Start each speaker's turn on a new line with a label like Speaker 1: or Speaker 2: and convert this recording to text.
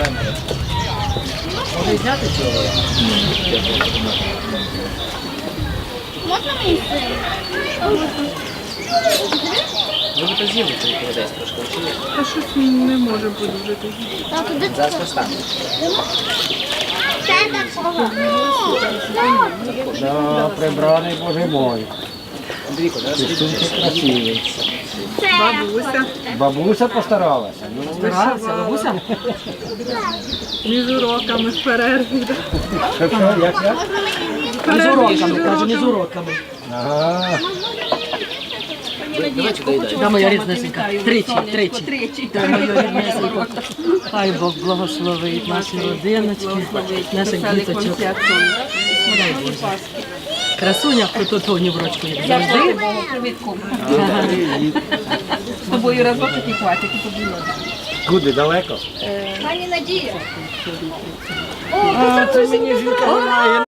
Speaker 1: Може зняти цього?
Speaker 2: Можна мені син?
Speaker 1: Ви б то з'їли цей холодець трошки вчили.
Speaker 3: А щось не може бути вже тоді.
Speaker 2: Так, туди
Speaker 1: Зараз поставлю.
Speaker 2: це такого.
Speaker 4: Да, прибраний, боже мой.
Speaker 1: Андрійко, зараз
Speaker 4: Ти сумки красивий.
Speaker 2: Це
Speaker 3: Бабуся.
Speaker 4: Бабуся постаралася. Ну,
Speaker 3: Старалася, бабуся? Між уроками в перерві.
Speaker 4: що, як?
Speaker 3: Між
Speaker 5: уроками, кажу, між уроками.
Speaker 4: Ага.
Speaker 1: давайте доїдайте.
Speaker 5: Та моя ріднесенька. Тричі. Та моя ріднесенька. Хай Бог благословить наші родиночки, наших діточок. Дай Боже. Красуня в Кототоні в рочку, як завжди.
Speaker 6: З тобою разочок і хватить, і тобі надо.
Speaker 4: Куди, далеко?
Speaker 2: пані Надія.
Speaker 4: А, це мені жінка вона